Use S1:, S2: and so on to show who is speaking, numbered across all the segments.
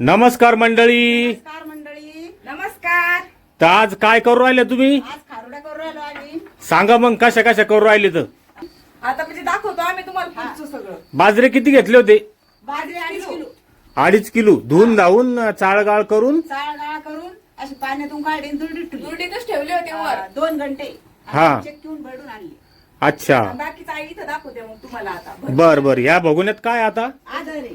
S1: नमस्कार मंडळी.
S2: नमस्कार मंडळी. नमस्कार.
S1: तर आज काय करू राहिले तुम्ही?
S2: आज खारुड्या करू राहिलो आम्ही.
S1: सांगा मग कशा कशा करू राहिले तर.
S2: आता म्हणजे दाखवतो आम्ही तुम्हाला पुढचं सगळं.
S1: बाजरे किती घेतले होते?
S2: बाजरी 2.5 किलो.
S1: 2.5 किलो धुवून धावून चाळगाळ करून
S2: चाळगाळा करून अशी पाण्यातून काढून
S3: दुर्डीतच ठेवले होते वर
S2: 2 घंटे
S1: हा.
S2: चेक घेऊन भरून आणली.
S1: अच्छा
S2: बाकीचं आई इथं दाखवते मग तुम्हाला आता.
S1: बर बर. या बघून काय आता.
S2: आदरे.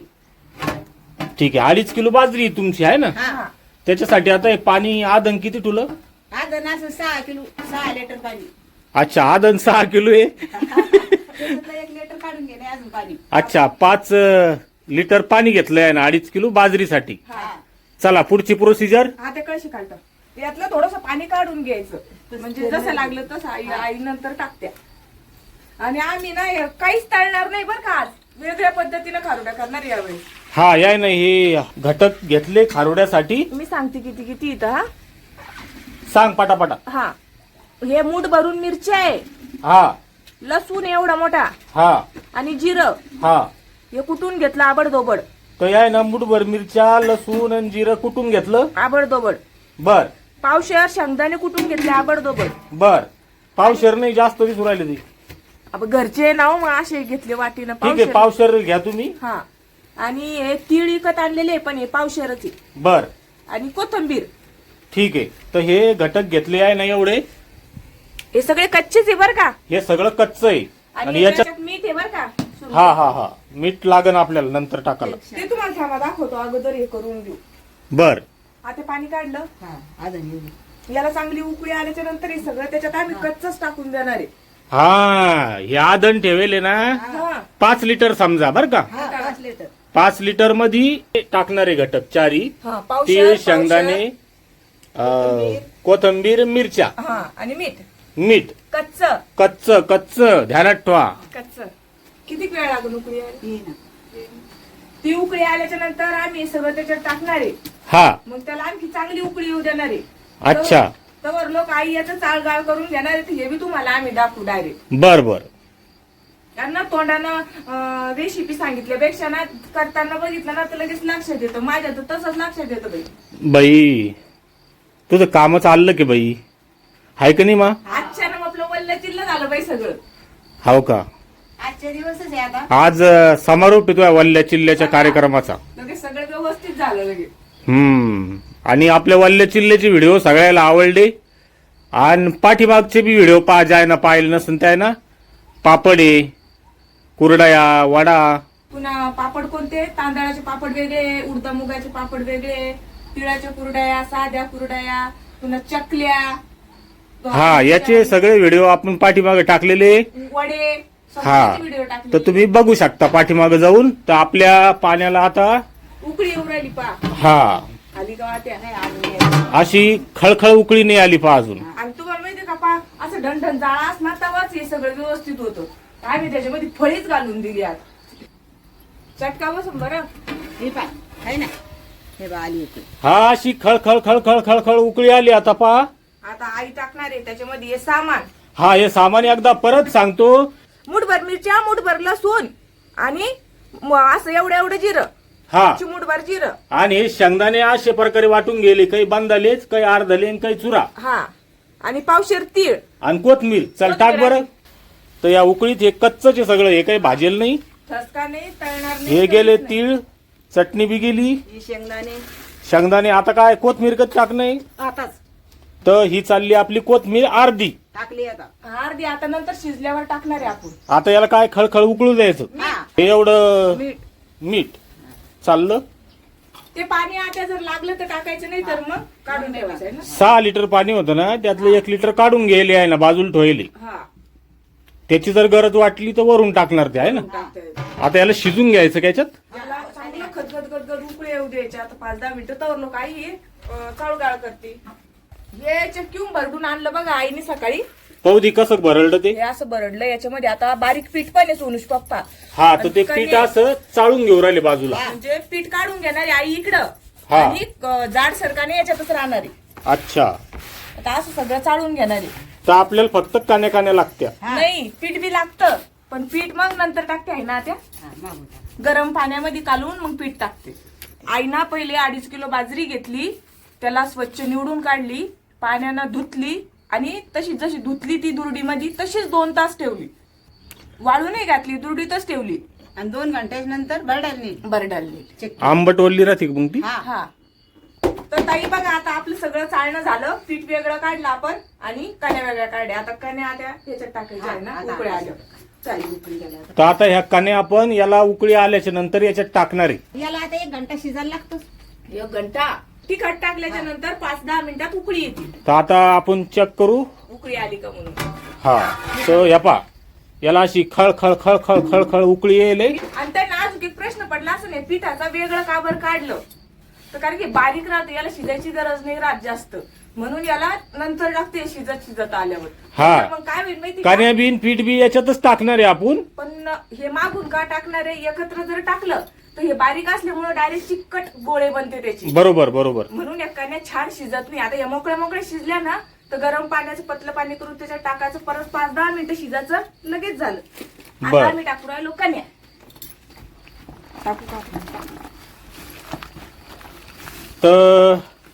S1: ठीक आहे. 2.5 किलो बाजरी तुमची आहे ना.
S2: हा.
S1: त्याच्यासाठी आता हे पाणी आदन किती तुला?
S2: आदन असं 6 किलो 6 लिटर पाणी.
S1: अच्छा आदन 6 किलो आहे.
S2: त्याच्यातलं 1 लिटर काढून घे नाही अजून पाणी.
S1: अच्छा 5 लिटर पाणी घेतलंय ना 2.5 किलो बाजरीसाठी.
S2: हा.
S1: चला पुढची प्रोसिजर.
S3: हा ते कळशी काढतात यातलं थोडस पाणी काढून घ्यायचं म्हणजे जसं लागलं तसं आई नंतर टाकत्या. आणि आम्ही ना हे काहीच टाळणार नाही बरं का. आज वेगळ्या पद्धतीनं खारुड्या करणार यावेळी.
S1: हा या नाही हे घटक घेतले खारोड्यासाठी.
S3: मी सांगते किती किती इथं. हा
S1: सांग पटापटा.
S3: हा हे मूठ भरून मिरच्या आहे,
S1: हा
S3: लसूण एवढा मोठा
S1: हा
S3: आणि जिरं
S1: हा.
S3: हे कुटून घेतलं आबडधोबड.
S1: तर या ना मुठभर मिरच्या लसूण आणि जिरं कुटून घेतलं.
S3: आबडधोबड.
S1: बर
S3: पावशेर शेंगदाणे कुटून घेतले आबडधोबड.
S1: बर. पावशेर नाही जास्त दिसू राहिले ते.
S3: अब घरचे ना हो, मग असे घेतले वाटीनं
S1: ठीक आहे
S3: पावशेर.
S1: पावशेर घ्या तुम्ही.
S3: हा आणि हे तीळ विकत आणलेले पण हे पावशेरच आहे.
S1: बर
S3: आणि कोथंबीर.
S1: ठीक आहे. तर हे घटक घेतले आहे ना एवढे.
S3: हे सगळे कच्चेच आहे बर का.
S1: हे सगळं कच्च आहे
S3: आणि
S1: आणि याच्यात
S3: याच्यात मीठ आहे बर का.
S1: हा हा हा मीठ लागन आपल्याला नंतर टाकायला.
S3: ते तुम्हाला थांबा दाखवतो अगोदर हे करून घेऊ.
S1: बर
S3: आता पाणी काढलं
S2: हा. आदन एवढी.
S3: याला चांगली उकळी आल्याच्या नंतर हे सगळं त्याच्यात आम्ही कच्चच टाकून देणार आहे.
S1: हा हे आदन ठेवेले ना
S3: हा
S1: 5 लिटर समजा बर का.
S2: हा 5 लिटर.
S1: 5 लिटर मध्ये टाकणारे घटक चारी.
S3: हा
S1: तीळ
S3: पावशेर
S1: शेंगदाणे कोथंबीर मिरच्या
S3: हा आणि मीठ
S1: मीठ
S3: कच्च
S1: कच्च कच्च ध्यानात ठेवा.
S3: कच्च. किती वेळ लागून उकळी आली?
S2: ही ना.
S3: ती उकळी आल्याच्या नंतर आम्ही हे सगळं त्याच्यात टाकणार आहे.
S1: हा
S3: मग त्याला आणखी चांगली उकळी येऊ देणार आहे.
S1: अच्छा.
S3: तर लोक आई याचं चाळगाळ करून घेणार आहेत हे बी तुम्हाला आम्ही दाखवू डायरेक्ट.
S1: बर बर.
S3: त्यांना तोंडानं रेसिपी सांगितल्यापेक्षा ना करताना बघितलं ना तर लगेच लक्षात येतं. माझ्या तर तसंच लक्षात येतं बाई.
S1: बाई तुझं काम चाललं की बाई हाय का नाही मा.
S3: आजच्या ना आपलं वल्ल चिल्ल झालं बाई सगळं.
S1: हाव का.
S2: आजच्या दिवसच आहे आता.
S1: आज समारोप येतोय वल्ल्या चिल्ल्याच्या कार्यक्रमाचा.
S3: लगेच सगळं व्यवस्थित झालं लगेच.
S1: आणि आपल्या वल्ल्या चिल्ल्याचे व्हिडिओ सगळ्याला आवडले. आणि पाठीमागचे बी व्हिडिओ ज्याय ना पाहिले नसून त्या ना पापड आहे कुरडया वडा.
S3: पुन्हा पापड कोणते तांदळाचे पापड वेगळे, उडदा मुगाचे पापड वेगळे, तिळाच्या कुरड्या, साध्या कुरड्या, पुन्हा चकल्या.
S1: हा याचे सगळे व्हिडिओ आपण पाठीमागे टाकलेले.
S3: वडे
S1: हा
S3: व्हिडिओ
S1: तर
S3: टाकले.
S1: तुम्ही बघू शकता पाठीमागे जाऊन. तर आपल्या पाण्याला आता
S3: उकळी येऊ राहिली पा
S1: हा
S3: आली का वाट्या.
S2: नाही अजून नाही.
S1: अशी खळखळ उकळी नाही आली पहा अजून.
S3: आणि तुम्हाला माहितीये का पा असं ढणढण जाळा असणार तेव्हाच हे सगळं व्यवस्थित होतं. आम्ही त्याच्यामध्ये फळीच घालून दिली आज. चटका बसून बरं.
S2: हे पाय आहे ना. हे बा आली होती.
S1: हा अशी खळखळ खळखळ खळखळ उकळी आली आता पहा.
S3: आता आई टाकणार आहे त्याच्यामध्ये हे सामान.
S1: हा हे सामान एकदा परत सांगतो.
S3: मुठभर मिरच्या, मुठभर लसूण आणि असं एवढं एवढं जिरं.
S1: हा
S3: चिमूटभर जिरं.
S1: आणि हे शेंगदाणे अशा प्रकारे वाटून गेले. काही बांधालेच काही अर्धले आणि काही चुरा.
S3: हा आणि पावशेर तीळ.
S1: आणि कोथमीर. चल टाक बरं. तर या उकळीत हे कच्चच आहे सगळं. हे काही भाजेल नाही.
S3: ठसका नाही तळणार नाही.
S1: हे गेले तीळ. चटणी बी गेली.
S2: ही शेंगदाणे
S1: शेंगदाणे आता काय कोथमीर कच टाक नाही.
S2: आताच
S1: तर ही चालली आपली कोथमीर अर्धी.
S2: टाकली आता.
S3: अर्धी आता नंतर शिजल्यावर टाकणार आहे आपण.
S1: आता याला काय खळखळ उकळू द्यायचं.
S2: हा.
S1: हे एवढं
S2: मीठ.
S1: मीठ चाललं.
S3: ते पाणी आता जर लागलं तर टाकायचं नाही तर मग काढून ठेवायचं आहे ना.
S1: 6 लिटर पाणी होतं ना त्यातलं 1 लिटर काढून गेले आहे ना बाजूला ठेवले.
S3: हा
S1: त्याची जर गरज वाटली तर वरून टाकणार ते आहे ना.
S3: टाकता येतं.
S1: आता याला शिजून घ्यायचं का याच्यात.
S3: याला चांगलं खतखत गदगद उकळी येऊ द्यायचे. आता 5-10 मिनिटं तर लोक आई चाळगाळ करते. हे चक्कीहून भरडून आणलं बघा आईने सकाळी.
S1: पाहू कसं भरडलं ते.
S3: हे असं भरडलं याच्यामध्ये आता बारीक पीठ पण आहे सोनूश पप्पा.
S1: हा तर ते पीठ असं चाळून घेऊ राहिले बाजूला.
S3: म्हणजे पीठ काढून घेणारी आई इकडं
S1: हा.
S3: आणि जाड सरकाने याच्यातच राहणार आहे.
S1: अच्छा.
S3: आता असं सगळं चाळून घेणार आहे.
S1: तर आपल्याला फक्त कान्या कान्या लागत्या.
S3: नाही पीठ बी लागतं पण पीठ मग नंतर टाकते आहे ना त्या
S2: हा, मागून टाक.
S3: गरम पाण्यामध्ये कालवून मग पीठ टाकते. आईना पहिले 2.5 किलो बाजरी घेतली, त्याला स्वच्छ निवडून काढली, पाण्यानं धुतली आणि तशी जशी धुतली ती दुरडीमध्ये तशीच 2 तास ठेवली. वाळू नाही घातली, दुरडीतच ठेवली
S2: आणि 2 घंट्यानंतर बरडाली.
S3: बरडालली.
S1: आंबट ओलली राहते का मग ती?
S3: हा. तर ताई बघा, आता आपलं सगळं चालणं झालं. पीठ वेगळं काढलं आपण आणि कण्या वेगळ्या काढल्या. आता कण्या आता ह्याच्यात टाकायच्या आहे ना,
S2: आता
S3: उकळ्या आल्या. चालेल.
S2: उकळी गेला.
S1: तर आता ह्या कण्या आपण याला उकळी आल्याच्या नंतर याच्यात टाकणार आहे.
S2: याला आता 1 घंटा शिजायला लागतो.
S3: 1 घंटा तिखट टाकल्याच्या नंतर 5-10 मिनिटात उकळी येते.
S1: तर आता आपण चेक करू.
S3: उकळी आली का म्हणून.
S1: हा, तर या पा याला अशी खळ खळ खळ खळ खळ खळ उकळी येईल.
S3: आणि त्यांना अजून एक प्रश्न पडला असं नाही, पिठाचा वेगळं का बरं काढलं, तर कारण की बारीक राहतं, याला शिजायची गरज नाही राहत जास्त, म्हणून याला नंतर टाकते शिजत आल्यावर.
S1: हा.
S3: तर मग काय होईल माहिती का?
S1: कण्या बिन पीठ बी याच्यातच टाकणार आहे आपण.
S3: पण हे मागून का टाकणार आहे, एकत्र जर टाकलं तर हे बारीक असल्यामुळे डायरेक्ट चिकट गोळे बनते त्याची.
S1: बरोबर बरोबर.
S3: म्हणून या कण्या छान शिजत नाही. आता या मोकळ्या शिजल्या ना, तर गरम पाण्याचं पतलं पाणी करून त्याच्यात टाकायचं, परत 5-10 मिनिटं शिजायचं, लगेच झालं.
S1: बरं.
S3: आता आम्ही टाकू राहिलो कण्या. टाकू.
S1: तर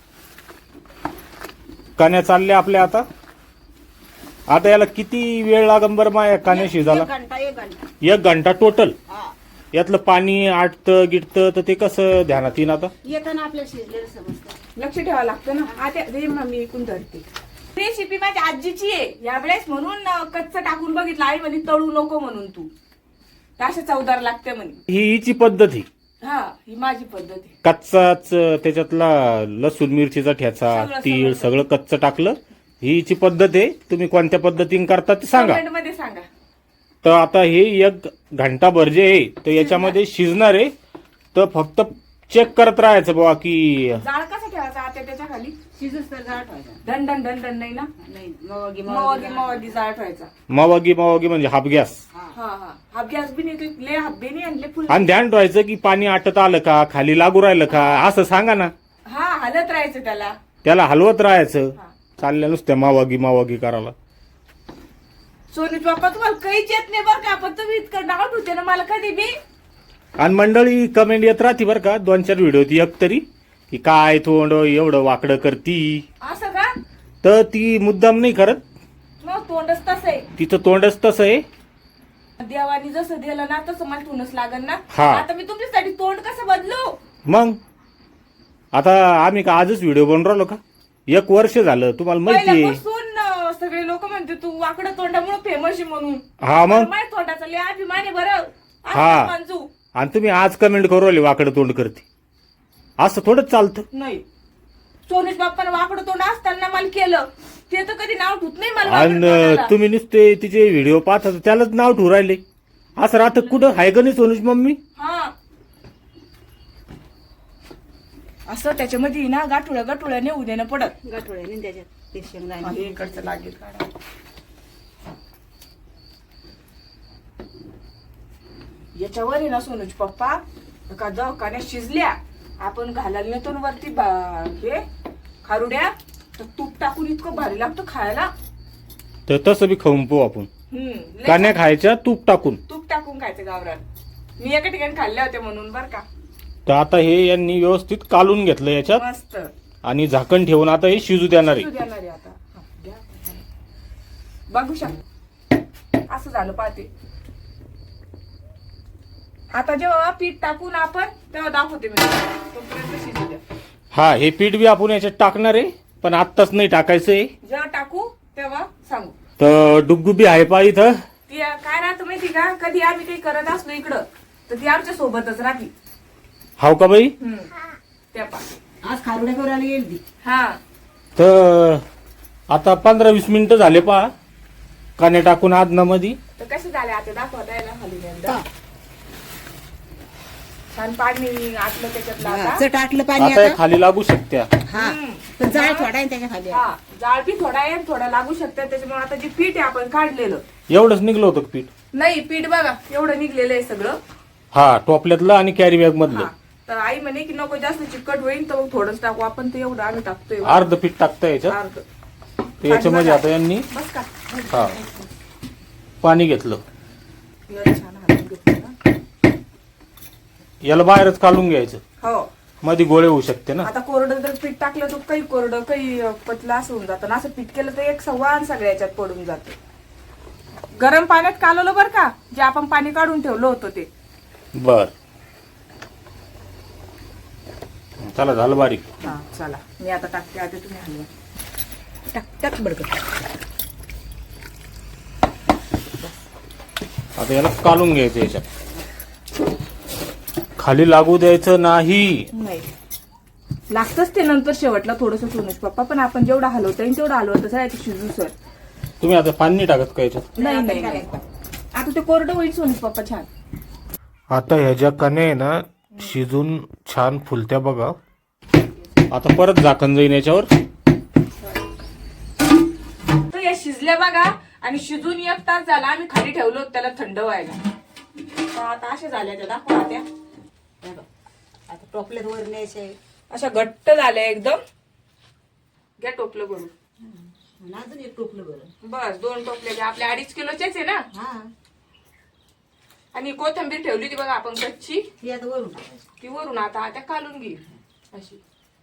S1: कण्या चालल्या आपल्या आता. आता याला किती वेळ लागेल बरं मा या कण्या शिजायला?
S2: 1 घंटा.
S1: 1 घंटा टोटल.
S2: हा.
S1: यातलं पाणी आटतं गिटतं तर ते कसं ध्यानात येईन आता?
S2: येताना आपल्याला शिजलेलं समजतं.
S3: लक्ष ठेवावं लागतं ना. आता रे मम्मी इकून धरते. रेसिपी माझ्या आजीची आहे यावेळेस, म्हणून कच्चं टाकून बघितलं. आई म्हणे तळू नको म्हणून तू, अशा चवदार लागते म्हणे.
S1: ही हिची पद्धत ही.
S3: हा, ही माझी पद्धत आहे.
S1: कच्चाच त्याच्यातला लसूण मिरचीचा ठेचा
S3: सगळं,
S1: तीळ
S3: सगळं.
S1: सगळं कच्चं टाकलं. ही हिची पद्धत आहे. तुम्ही कोणत्या पद्धतीने करता ते सांगा.
S3: कमेंट मध्ये सांगा.
S1: तर आता हे 1 घंटाभर जे आहे तर याच्यामध्ये शिजणार आहे. तर फक्त चेक करत राहायचं बाबा की
S3: जाळ कसा ठेवायचा आता त्याच्या खाली?
S2: शिजूस तर जाळ ठेवायचा.
S3: दंडन नाही ना,
S2: नाही, मवागी
S3: मवागी जाळ ठेवायचा.
S1: मवागी म्हणजे हाफ गॅस.
S3: हा. हाफ गॅस बी नाही, ले हाबे नाही आणले फुल.
S1: आणि ध्यान ठेवायचं की पाणी आटत आलं का, खाली लागू राहिलं का, असं सांगा ना.
S3: हा, हलत राहायचं त्याला.
S1: त्याला हलवत राहायचं.
S3: हा.
S1: चालल्या नुसत्या मावागी करायला.
S3: सोनूच बाप्पा तुम्हाला काहीच येत नाही बरं का, पण तुम्ही इतकं डाऊट होते ना मला कधी बी.
S1: आणि मंडळी कमेंट येत राहते बरं का 2-4 व्हिडिओ ती एक तरी, की काय तोंड एवढं वाकडं करती.
S3: असं का?
S1: तर ती मुद्दाम नाही करत,
S3: मग तोंडच तसं आहे.
S1: तिचं तोंडच तसं आहे.
S3: देवानी जसं दिलं ना तसं मला तोंडच लागल ना.
S1: हा.
S3: आता मी तुमच्यासाठी तोंड कसं बदलू?
S1: मग आता आम्ही का आजच व्हिडिओ बनवून राहिलो का? 1 वर्ष झालं, तुम्हाला माहिती आहे.
S3: पहिल्यापासून सगळे लोक म्हणते तू वाकडं तोंडामुळे फेमस आहे म्हणून.
S1: हा मग.
S3: माझ्या तोंडाचा लय अभिमान आहे बरं.
S1: हा.
S3: असं मांजू
S1: आणि तुम्ही आज कमेंट करू राहिले वाकडं तोंड करते, असं थोडंच चालतं.
S3: नाही. सोनेश बाप्पानं वाकडं तोंड असताना मला केलं, ते तर कधी नाव ठेवत नाही मला वाकडं तोंडाला.
S1: आणि तुम्ही नुसते तिचे व्हिडिओ पाहता तर त्यालाच नाव ठेवू राहिले. असं राहतं कुठं? हाय का नाही सोनूच मम्मी?
S3: हा. असं त्याच्यामध्ये ना गाठुळ्या नेऊ देणं पडत.
S2: गाठोड्याने त्याच्यात ते शेंगदाणे.
S3: हे इकडचं लागेल काढा. याच्यावर आहे ना सोनूच पप्पा का दवाखान्यात शिजल्या आपण घालायला नेतो ना वरती हे खारुड्या, तर तूप टाकून इतकं भारी लागतं खायला.
S1: तर तसं बी खाऊन पाहू आपण.
S3: लय
S1: कान्या खायच्या तूप टाकून.
S3: तूप टाकून खायचं गावरान. मी एका ठिकाणी खाल्ल्या होत्या म्हणून बर का.
S1: तर आता हे यांनी व्यवस्थित कालून घेतलं याच्यात
S3: मस्त
S1: आणि झाकण ठेवून आता हे शिजू देणार
S3: शिजू
S1: आहे.
S3: देणार आहे आता. हा, द्या. बघू शकता असं झालं पाहते. आता जेव्हा पीठ टाकून आपण तेव्हा दाखवते मी तोपर्यंत शिजू द्या.
S1: हा, हे पीठ बी आपण याच्यात टाकणार आहे, पण आत्ताच नाही टाकायचंय.
S3: जेव्हा टाकू तेव्हा सांगू.
S1: तर डुग्गू बी आहे पा इथं.
S3: ती काय राहतं माहिती का, कधी आम्ही काही करत असलो इकडं तर ती आमच्या सोबतच राहती.
S1: हाव का बाई?
S3: त्या पा
S2: आज खारुड्या करायला येईल ती.
S3: हा.
S1: तर आता 15-20 मिनिटं झाले पा कान्या टाकून आदनामध्ये.
S3: तर कसे झाले आता दाखवा द्यायला खाली एकदा. छान पाणी आटलं त्याच्यातलं आता.
S2: चट आटलं पाणी
S1: आता हे
S2: आता.
S1: खाली लागू शकत्या.
S2: हा. पण जाळ थोडा आहे त्याच्या खाली.
S3: हा, जाळ बी थोडा आहे थोडा लागू शकतात. त्याच्यामुळे आता जे पीठ आहे आपण काढलेलं
S1: एवढंच निघलं होतं का पीठ?
S3: नाही, पीठ बघा एवढं निघलेलं आहे सगळं.
S1: हा, टोपल्यातलं आणि कॅरी बॅग मधलं.
S3: हा. तर आई म्हणे की नको जास्त चिकट होईल तर मग थोडंच टाकू आपण. ते एवढं आम्ही टाकतोय
S1: अर्ध पीठ टाकता याच्यात.
S3: अर्ध.
S1: तर याच्यामध्ये आता यांनी
S3: बस का
S1: हा पाणी घेतलं.
S3: एवढं छान हालून घेतलं ना.
S1: याला बाहेरच काढून घ्यायचं.
S3: हो.
S1: मध्ये गोळे होऊ शकते ना.
S3: आता कोरडं जर पीठ टाकलं तर काही कोरडं काही पतलं असं होऊन जातं. असं पीठ केलं तर एक सव्वान सगळ्या याच्यात पडून जाते. गरम पाण्यात कालवलं बरं का, जे आपण पाणी काढून ठेवलं होतं ते.
S1: बर चला झालं बारीक.
S3: हा चला मी आता टाकते, आधी तुम्ही हलवा. टाक टाक बडकं.
S1: आता याला कालून घ्यायचं, याच्यात खाली लागू द्यायचं नाही.
S3: नाही लागतच ते नंतर शेवटला थोडंसं सोनूच पप्पा, पण आपण जेवढं हलवता येईल तेवढं हलवत आहे ते शिजू सर.
S1: तुम्ही आता पाणी नाही टाकत का याच्यात?
S3: नाही नाही नाही. आता ते कोरडं होईल सोनूच पप्पा छान.
S1: आता ह्याच्या कणे ना शिजून छान फुलत्या बघा. आता परत झाकण जाईन याच्यावर.
S3: तर या शिजल्या बघा, आणि शिजून 1 तास झाला. आम्ही खाली ठेवलो होतं त्याला थंड व्हायला. तर आता अशा झाल्या त्या, दाखवा त्या.
S2: आता टोपल्यात वर न्यायचे.
S3: अशा घट्ट झाल्या एकदम. घ्या टोपलं भरून.
S2: अजून एक टोपलं बरं.
S3: बस 2 टोपले घ्या. आपल्या 2.5 किलोचेच आहे ना.
S2: हा
S3: आणि कोथिंबीर ठेवली होती बघा आपण कच्ची,
S2: ती आता वरून टाकायची.
S3: ती वरून आता त्या कालून घेईल अशी.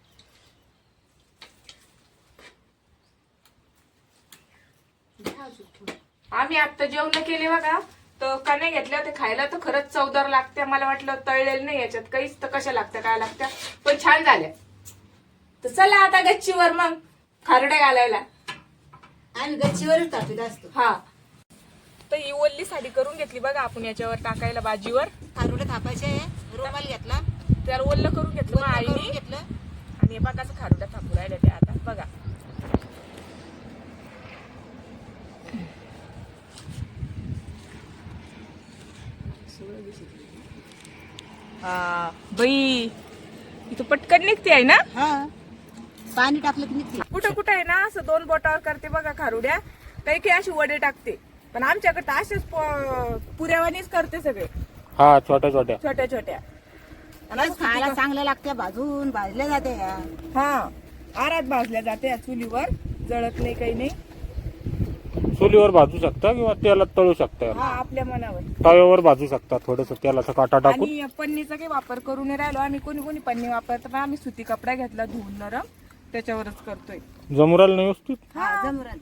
S3: आम्ही आता जेवण केले बघा, तर कण्या घेतल्या होत्या खायला, तर खरंच चवदार लागत्या. मला वाटलं तळलेलं नाही याच्यात काहीच, तर कशा लागत्या काय लागत्या, पण छान झाल्या. तर चला आता गच्चीवर मग खारड्या घालायला.
S2: आणि गच्चीवरच टाकत असतो.
S3: हा तर ही ओल्ली साडी करून घेतली बघा आपण याच्यावर टाकायला भाजीवर.
S2: खारुडे थापायचे, रुमाल घेतला,
S3: त्याला ओल्ल करून घेतलं मग
S2: करून
S3: आईने.
S2: घेतलं.
S3: आणि हे बघा कसं खारुड्या थापू राहिल्या त्या आता बघा. हा बाई इथं पटकन निघते आहे ना.
S2: हा पाणी टाकलं की निघते.
S3: कुठं कुठं आहे ना असं 2 बोटावर करते बघा खारुड्या. काही काही अशी वडे टाकते, पण आमच्याकडे तर असेच पुऱ्यावानीच करते सगळे.
S1: हा छोट्या छोट्या.
S3: छोट्या छोट्या.
S2: आणि खायला चांगलं लागते, भाजल्या जाते.
S3: हा आरात भाजल्या जाते या चुलीवर, जळत नाही काही नाही.
S1: चुलीवर भाजू शकता किंवा तेलात तळू शकता.
S3: हा आपल्या मनावर.
S1: तव्यावर भाजू शकता, थोडस तेलाचा काटा टाकून.
S3: आणि पन्नीचा काही वापर करून नाही राहिलो आम्ही. कोणी कोणी पन्नी वापरतो, पण आम्ही सुती कपडा घेतला धुवून नरम, त्याच्यावरच करतोय.
S1: जमुराल नाही व्यवस्थित.
S2: हा जमरण.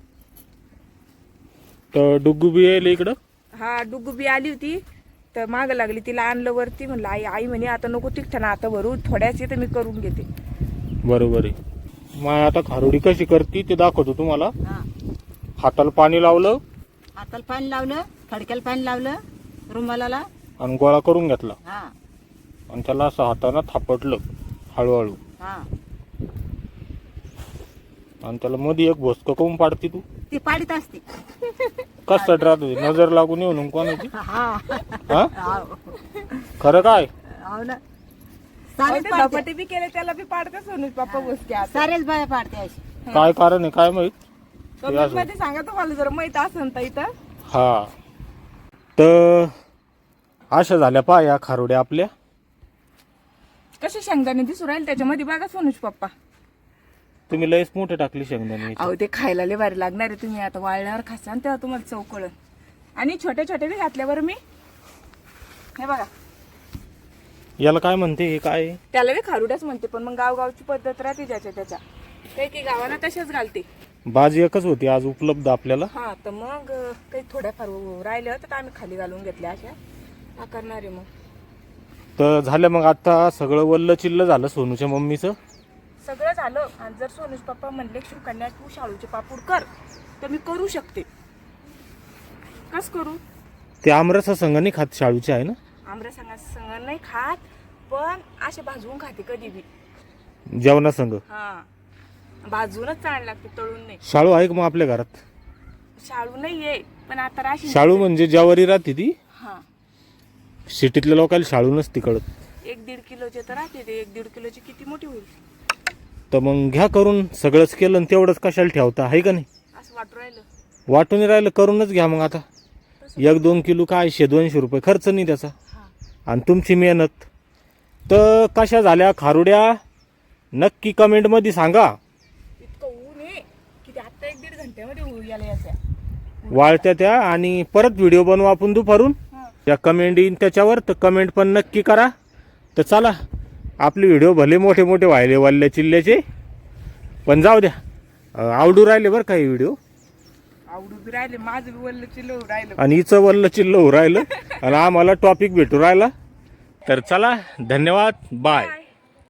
S1: तर डुग्गू बी येईल इकडं.
S3: हा डुगुबी आली होती, तर माग लागली. तिला आणलं वरती, म्हणलं आई आई म्हणे आता नको तिखटं ना, आता भरू थोड्याच तर मी करून घेते.
S1: बरोबर आहे. मग आता खारुडी कशी करती ते दाखवतो तुम्हाला.
S2: हा
S1: हाताला पाणी लावलं
S2: हाताला पाणी लावलं, फडक्याला पाणी लावलं, रुमालाला.
S1: आणि गोळा करून घेतला,
S2: हा
S1: आणि त्याला असं हाताने थापटलं हळूहळू.
S2: हा
S1: आणि त्याला मध्ये एक भोसकं करून पाडती तू.
S2: ती पाडीत असते.
S1: कसं राहत होती, नजर लागून येऊन कोणाची.
S2: हा
S1: हा
S2: हाव.
S1: खरं काय.
S2: हो ना.
S3: अहो,
S2: सारेच
S3: ते
S2: पाडते.
S3: धपाटे बी केले त्याला बी पाडते सोनूच पप्पा बसके आता.
S2: सारेच बाया पाडते अशी.
S1: काय कारण आहे काय माहित.
S3: कमेंट मध्ये सांगा तुम्हाला जर माहित असेल तर इथं.
S1: हा तर अशा झाल्या पहा या खारुड्या आपल्या.
S3: कसे शेंगदाणे दिसू राहील त्याच्यामध्ये बघा सोनूच पप्पा.
S1: तुम्ही लयच मोठे टाकली शेंगदाणे.
S3: अहो ते खायला लय भारी लागणार आहे. तुम्ही आता वाळल्यावर खासान तेव्हा तुम्हाला चव कळल. आणि छोट्या छोट्या बी घातल्या बरं मी. हे बघा
S1: याला काय म्हणते, हे काय आहे?
S3: त्याला बी खारुड्याच म्हणते, पण मग गावगावची पद्धत राहते ज्याच्या त्याच्या. काही काही गावांना तशाच घालते.
S1: भाजी एकच होती आज उपलब्ध आपल्याला.
S3: हा तर मग काही थोड्याफार राहिल्या तर आम्ही खाली घालून घेतल्या अशा करणार आहे. मग
S1: तर झालं मग आता सगळं वल्ल चिल्ल झालं सोनूच्या मम्मीचं.
S3: सगळं झालं. आणि जर सोनूच पप्पा म्हणले शिवकन्या तू शाळूचे पापूड कर, तर मी करू शकते. कस करू.
S1: ते आमरसा संघ नाही खात शाळूचे आहे ना.
S3: आमऱ्या संग नाही खात, पण असे भाजवून खाते कधी बी.
S1: जेवणा संघ.
S3: हा भाजूनच चांगलं लागते, तळून नाही.
S1: शाळू आहे का मग आपल्या घरात.
S3: शाळू नाहीये, पण आता राशी.
S1: शाळू म्हणजे ज्वारी राहते ती.
S3: हा
S1: सिटीतल्या लोकांना शाळू नसती कळत.
S3: 1-1.5 किलोचे तर राहते ते. 1-1.5 किलोची किती मोठी होईल.
S1: तर मग घ्या करून. सगळंच केलं आणि तेवढंच कशाला ठेवता आहे का नाही.
S3: असं वाटू राहिलं.
S1: वाटून राहिलं करूनच घ्या मग आता. 1-2 किलो काय 100-200 रुपये खर्च नाही त्याचा.
S3: हा
S1: आणि तुमची मेहनत. तर कशा झाल्या खारुड्या नक्की कमेंटमध्ये सांगा.
S3: इतकं ऊन आहे की ते आता 1-1.5 घंट्यामध्ये होऊ याला याच्या.
S1: वाळत्या त्या. आणि परत व्हिडिओ बनवू आपण दुपारून.
S3: हा
S1: त्या कमेंट येईन त्याच्यावर, तर कमेंट पण नक्की करा. तर चला आपले व्हिडिओ भले मोठे मोठे व्हायले वल्ल्या चिल्ल्याचे, पण जाऊ द्या, आवडू राहिले बरं काही व्हिडिओ.
S3: आवडून राहिले, माझं वल्ल चिल्ल राहिलं.
S1: आणि हिचं वल्ल चिल्ल होऊ राहिलं आणि आम्हाला टॉपिक भेटू राहिला. तर चला, धन्यवाद, बाय.